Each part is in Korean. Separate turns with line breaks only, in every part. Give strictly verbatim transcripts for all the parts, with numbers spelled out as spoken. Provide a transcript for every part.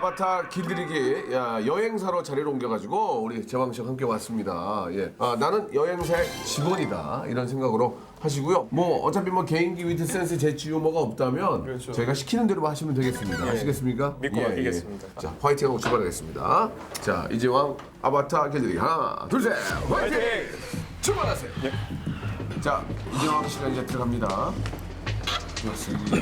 아바타 길들이기 야, 여행사로 자리를 옮겨가지고 우리 제왕 씨와 함께 왔습니다. 예. 아, 나는 여행사의 직원이다 이런 생각으로 하시고요. 뭐 어차피 뭐 개인기 위트 센스 재치 유머가 없다면
그렇죠.
저희가 시키는 대로 하시면 되겠습니다. 아시겠습니까?
믿고
예,
맡기겠습니다.
예. 자 화이팅하고 출발하겠습니다. 자 이제왕 아바타 길들이기 하나 둘셋 화이팅! 출발하세요.
예.
자 이제왕 시간 이제 들어갑니다. 좋습니다.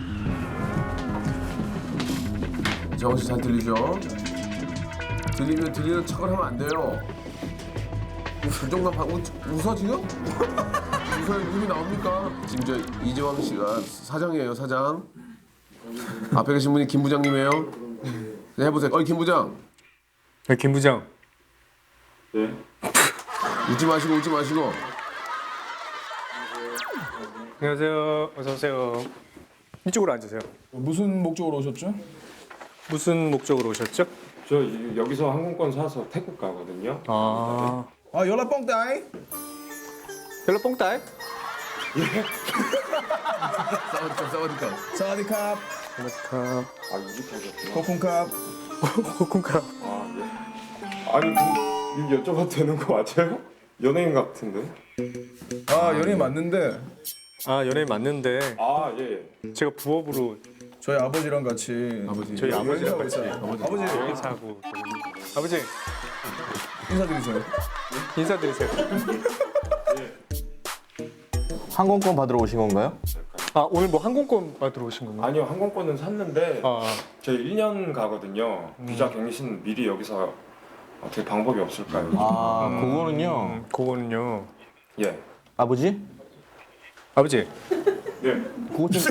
정원 씨 잘 들리죠? 들리면 들리는 척을 하면 안 돼요. 그 정도 방 웃, 웃어 지금? 웃어야 눈이 나옵니까? 지금 저 이재왕 씨가 사장이에요, 사장. 앞에 계신 분이 김 부장님이에요. 네, 해보세요. 어이 김 부장.
네, 김 부장.
네.
웃지 마시고 웃지 마시고.
안녕하세요. 어서 오세요. 이쪽으로 앉으세요.
무슨 목적으로 오셨죠?
무슨 목적으로 오셨죠?
저 이- 여기서 항공권 사서 태국 가거든요.
아,
아 연락 뻥따이
별로 뽕따이?
싸우니까 싸우니까.
사와디캅
고맙습니다.
아 이직하셨구나.
코쿤캅
코쿤카.
아 예. 아니 그, 이거 여쭤봐도 되는 거 맞아요? 연예인 같은데.
아 연예인 맞는데
아, 연예인 맞는데
아 예.
제가 부업으로
저희 아버지랑 같이
아버지.
저희 아버지랑 같이
아버지, 아버지
여행사하고 아버지
인사드리세요.
인사드리세요.
항공권 받으러 오신 건가요?
아, 오늘 뭐 항공권 받으러 오신 건가요?
아니요 항공권은 샀는데
아,
저 일 년 가거든요. 비자 갱신 미리 여기서 어떻게 방법이 없을까요?
아, 그거는요.
음, 그거는요.
예.
아버지?
아버지,
예.
그거 좀.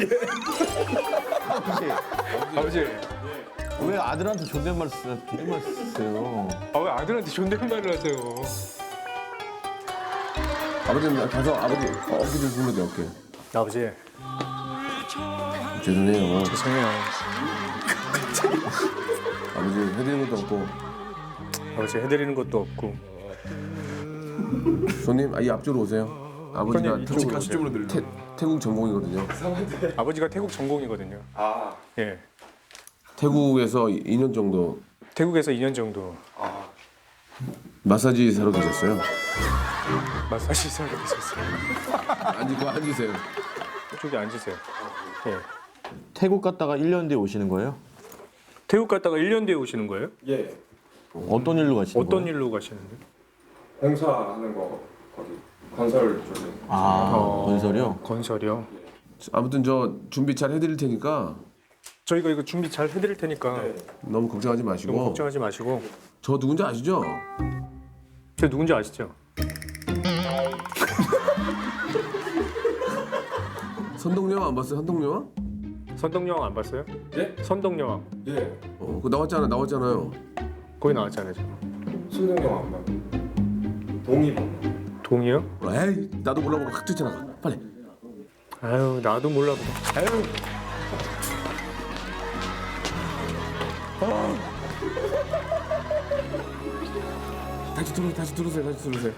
아버지,
아버지.
왜 아들한테 존댓말 쓰, 존댓말 쓰세요?
아, 왜 아들한테 존댓말을 하세요?
아버지는 가서 아버지 어깨 좀 불러대 어깨.
아버지,
죄송해요.
죄송해요.
아버지 해드리는 것도 없고.
아버지 해드리는 것도 없고.
손님 아, 이 앞쪽으로 오세요. 아버지가
손님,
태국,
이쪽으로
같이 쪽으로 들려.
태, 태국 전공이거든요.
아버지가 태국 전공이거든요.
아.
예.
태국에서 이 년 정도
태국에서 이 년 정도
아.
마사지 사러 계셨어요.
마사지 사러 계셨어요.
앉으고 앉으세요.
이쪽에 앉으세요. 예.
태국 갔다가 일 년 뒤에 오시는 거예요?
태국 갔다가 일 년 뒤에 오시는 거예요?
예.
어떤 일로 가시는
어떤
거예요?
일로 가시는데?
공사하는 거 거기 건설 쪽에.
아,
어,
건설이요?
건설이요.
아무튼 저 준비 잘 해드릴 테니까
저희가 이거 준비 잘 해드릴 테니까
네.
너무 걱정하지 마시고.
너무 걱정하지 마시고.
저 누군지 아시죠?
저 누군지 아시죠?
선동여왕 안 봤어요? 선동여왕?
선덕여왕 안 봤어요?
예?
선덕여왕
예.
어, 그거 나왔잖아, 나왔잖아요.
거기 나왔잖아요. 저.
손동영 안 봐. 동의번.
동이요?
에이, 나도 몰라보고 확 뛰쳐나가. 빨리.
아유, 나도 몰라 보다. 아유.
다시 들어, 다시 들으세요, 다시 들으세요.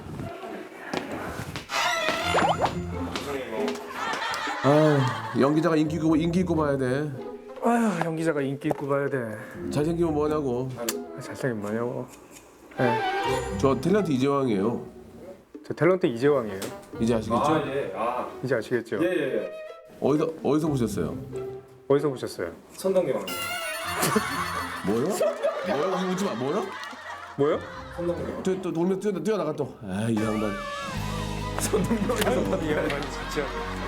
아, 연기자가 인기 있고 인기 있고 봐야 돼.
아유, 연기자가 인기 있고 봐야 돼.
잘생기면 뭐냐고.
아, 잘생긴 뭐냐고. 네.
저 탤런트 이재왕이에요.
저 탤런트 이재왕이에요.
이제 아시겠죠?
아 예. 아.
이제 아시겠죠?
예예 예.
어디서 어디서 보셨어요?
어디서 보셨어요?
선동영.
뭐요? 뭐요? 우리 웃지 마. 뭐요?
뭐요?
선동영.
또, 또 돌면 뛰어 뛰어나가 또. 아이 양반.
이 양반 진짜.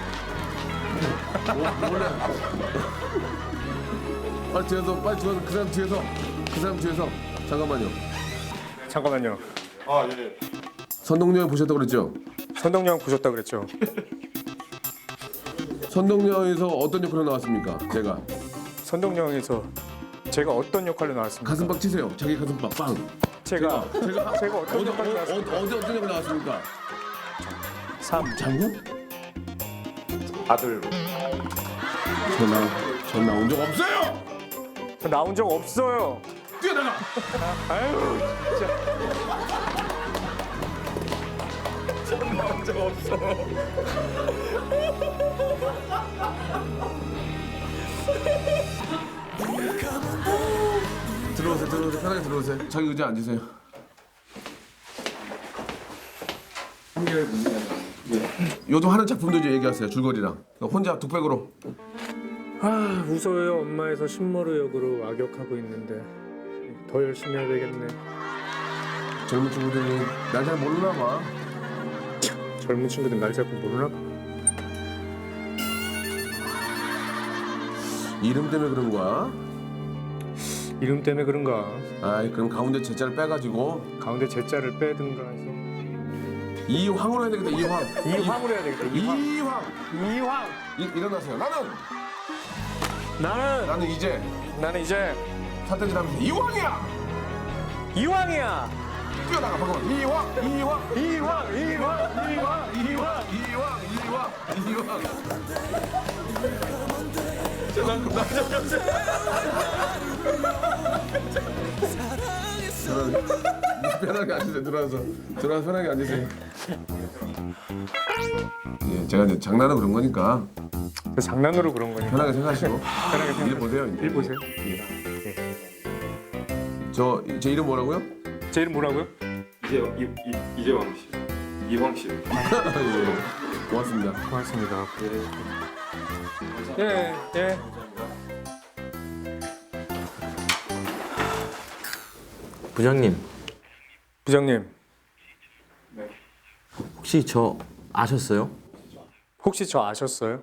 빨리 뒤에서 빨리 뒤에서 그 사람 뒤에서 그 사람 뒤에서 잠깐만요.
잠깐만요.
아 예.
선동여왕 보셨다고 그랬죠?
선덕여왕 보셨다 그랬죠?
선동여왕에서 어떤 역할로 나왔습니까? 제가
선덕여왕에서 제가 어떤 역할로 나왔습니까?
가슴팍 치세요. 자기 가슴팍 빵.
제가
제가
제가 어떤
어디
역할로
어디
나왔습니까?
어디 어떤 역할 나왔습니까?
삼.
장군?
아들.
전나 전 나온 적 없어요.
저 나온 적 없어요.
뛰어나가.
아유, 진짜. 나온 적 없어요.
들어오세요, 들어오세요. 편하게 들어오세요. 자기 의자 앉으세요. 요즘 하는 작품도 이제 얘기하세요. 줄거리랑. 혼자 독백으로.
아 무서워요. 엄마에서 신머루 역으로 악역하고 있는데 더 열심히 해야 되겠네.
젊은 친구들이 날 잘 모르나 봐.
젊은 친구들 날 자꾸 모르나 봐.
이름 때문에 그런 거야?
이름 때문에 그런가?
아이, 그럼 가운데 제자를 빼가지고
가운데 제자를 빼든가 해서
이황으로 해야 되겠다. 이황.
이황으로 해야 되겠다. 이황.
이황.
이황.
이, 일어나세요. 나는
나는
나는 이제
나는 이제
사태질 하면서 이황이야.
이황이야.
뛰어나가 방금. 이황. 이황.
이황. 이황. 이황.
이황. 이황. 이황. 이황. 저는 편하게 앉으세요. 들어와서 들어와서 편하게 앉으세요. 예, 제가 이제 장난으로 그런 거니까
그 장난으로 그런 거니까
편하게 생각하시고
편하게
일 보세요. 이제.
일 보세요.
저 제 이름 뭐라고요?
제 이름 뭐라고요?
이재 이, 이, 이재왕 씨, 이황 씨.
예, 고맙습니다.
고맙습니다. 예, 예.
부장님,
부장님,
혹시 저 아셨어요?
혹시 저 아셨어요?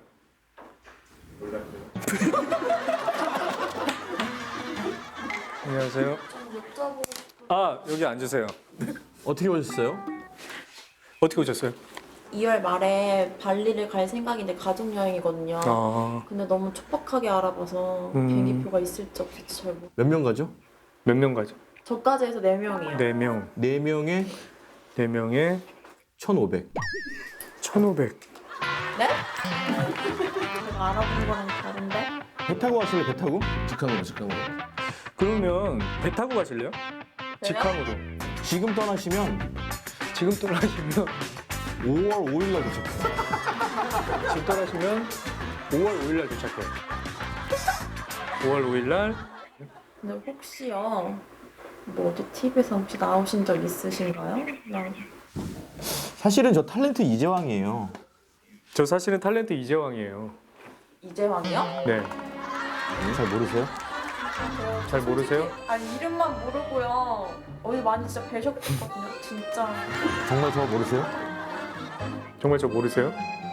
안녕하세요. 아, 여기 앉으세요.
어떻게 오셨어요?
어떻게 오셨어요?
이월 말에 발리를 갈 생각인데 가족 여행이거든요.
아,
근데 너무 촉박하게 알아봐서
음.
비행기표가 있을지 없을지 잘 모르.
몇 명 가죠?
몇 명 가죠?
저까지 해서 네 명이요.
네 명.
네 명에
네 명에
천오백.
천오백.
네? 제가 알아본 거랑 다른데?
배 타고 가실래? 배 타고?
직항으로 직항으로.
그러면 배 타고 가실래요? 직항으로.
지금 떠나시면
지금 떠나시면
오월 오일 날 도착해요.
지금 떠나시면 오월 오일 날 도착해요. 오월 오일 날
근데 혹시요, 뭐 어디 티비에서 혹시 나오신 적 있으신가요? 나
사실은 저 탤런트 이재왕이에요.
저 사실은 탤런트 이재왕이에요.
이재왕이요?
네.
잘 모르세요?
잘 모르세요?
아니 이름만 모르고요. 어디 많이 진짜 뵈셨거든요. 진짜.
정말 저 모르세요?
정말 저 모르세요?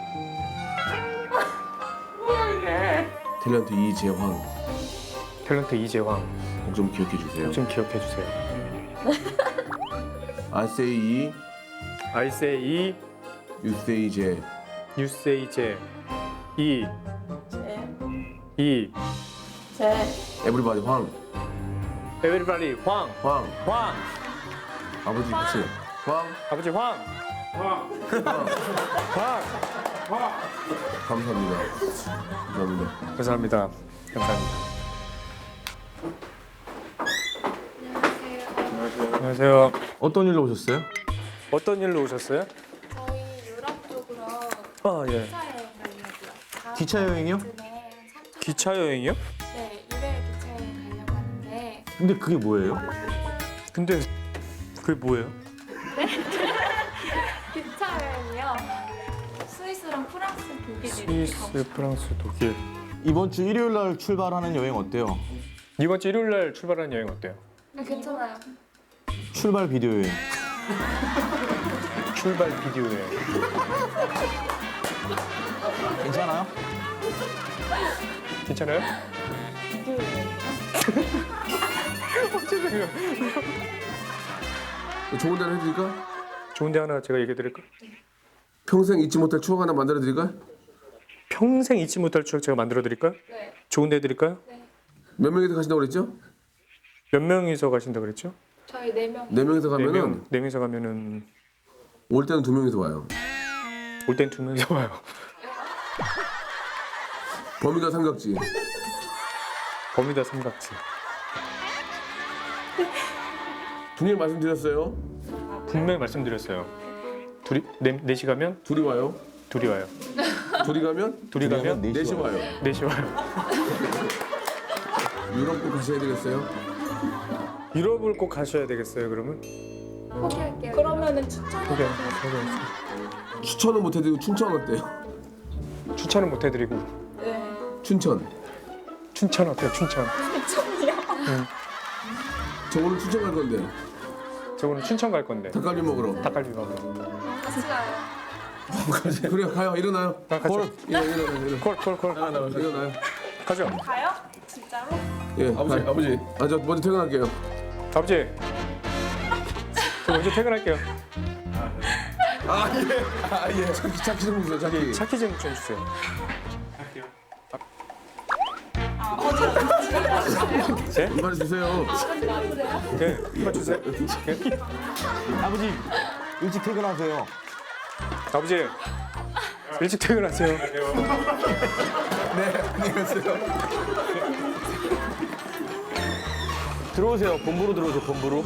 탤런트 이재황.
탤런트 이재왕.
꼭 좀 기억해 주세요.
좀 기억해 주세요.
I say 이,
I say 이,
you say 제.
you say 제. 이,
제,
이,
제,
Everybody 황.
everybody 황,
황.
황,
아버지 같이. 황.
아버지 황, 황, 황.
감사합니다. 감사합니다.
감사합니다. 감사합니다. 안녕하세요.
어떤 일로 오셨어요?
어떤 일로 오셨어요?
저희 유럽 쪽으로
아 예.
기차 여행 가려고요.
기차 여행이요?
네, 한 삼 주
기차 여행이요?
네, 일요일 기차 여행 가려고 하는데
근데 그게 뭐예요?
근데 그게 뭐예요?
기차 여행이요. 스위스랑 프랑스, 독일 이렇게 가고
스위스, 프랑스, 독일.
이번 주 일요일 날 출발하는 여행 어때요?
이번 주 일요일 날 출발하는 여행 어때요?
싶어요. 괜찮아요.
출발 비디오 여행.
출발 비디오 여행.
괜찮아요?
괜찮아요?
좋은 데를 해드릴까?
좋은 데 하나 제가 얘기해 드릴까?
평생 잊지 못할 추억 하나 만들어 드릴까?
평생 잊지 못할 추억 제가 만들어 드릴까요?
네.
좋은 데 해드릴까요?
몇 명이서 가신다고 그랬죠?
몇 명이서 가신다 그랬죠?
저희 네 명.
네 명이서
네
가면은
명, 네 명이서 가면은
올 때는 두 명이서 와요.
올 땐 두 명이서 와요.
범위가 삼각지.
버뮤다 삼각지.
분명히 말씀드렸어요.
분명히 말씀드렸어요. 둘이 네, 넷이 가면
둘이 와요.
둘이 와요.
둘이 가면
둘이 가면
넷이
넷이
와요.
와요.
넷이 와요.
유럽도 가셔야 되겠어요.
유럽을 꼭 가셔야 되겠어요. 그러면
포기할게요.
그러면은 추천.
포기 포기
추천은 못 해드리고 춘천 어때요?
추천은 못 해드리고
네.
춘천.
춘천 어때요? 춘천.
추천이요.
저 오늘 춘천 갈 건데
저 오늘 춘천 갈 건데
닭갈비 먹으러.
닭갈비 먹으러.
같이 가요.
그래요, 가요. 일어나요.
아, 가죠.
일어나, 일어나, 일어나.
콜콜콜
일어나요.
가죠.
가요? 진짜로?
예,
아버지
가요.
아버지
아, 저 먼저 퇴근할게요.
아버지 저 먼저 퇴근할게요.
아예 차키 차키 좀 주세요. 차키.
차키 좀 좀 주세요. 네?
이만 주세요.
네, 이거 주세요. 네.
아버지 일찍 퇴근하세요.
아버지 일찍 퇴근하세요.
네, 안녕히 계세요.
들어오세요. 본부로 들어오세요. 본부로.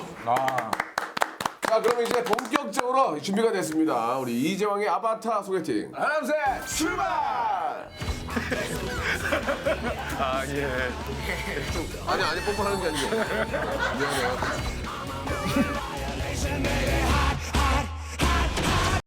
자, 그럼 이제 본격적으로 준비가 됐습니다. 우리 이재왕의 아바타 소개팅. 하나, 둘, 셋, 출발!
아 예.
아니, 아니, 뽀뽀하는 게 아니고. 미안해요.